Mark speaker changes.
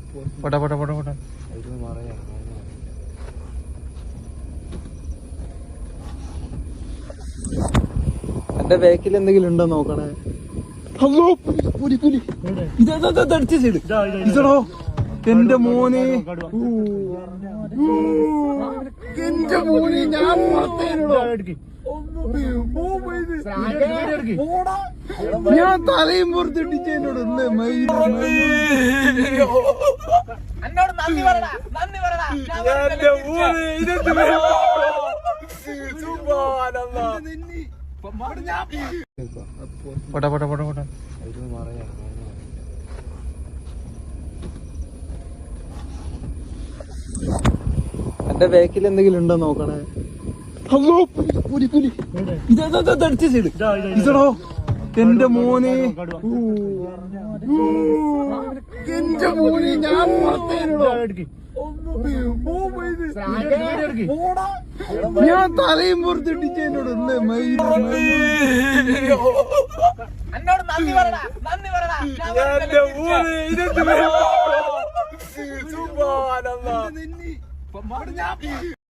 Speaker 1: പോട്ടെ പോട്ടെ പോട്ടെ പോട്ടെ. എന്റെ ബാക്കിൽ എന്തെങ്കിലും ഉണ്ടോ നോക്കണേ. ഇതടോ എന്റെ മോനെ, എന്റെ മോനെ ഞാൻ ഞാൻ തലയും പുറത്തിട്ടിച്ച് എന്നോട് പോട്ടെ പോട്ടെ പോട്ടെ പോട്ടെ. എന്റെ ബാക്കിൽ എന്തെങ്കിലും ഉണ്ടോ നോക്കണേ. ഇതടോ എന്റെ മോനെ, എന്റെ മോനെ ഞാൻ ഞാൻ തലയും പുറത്തിട്ടിച്ച് എന്നോട്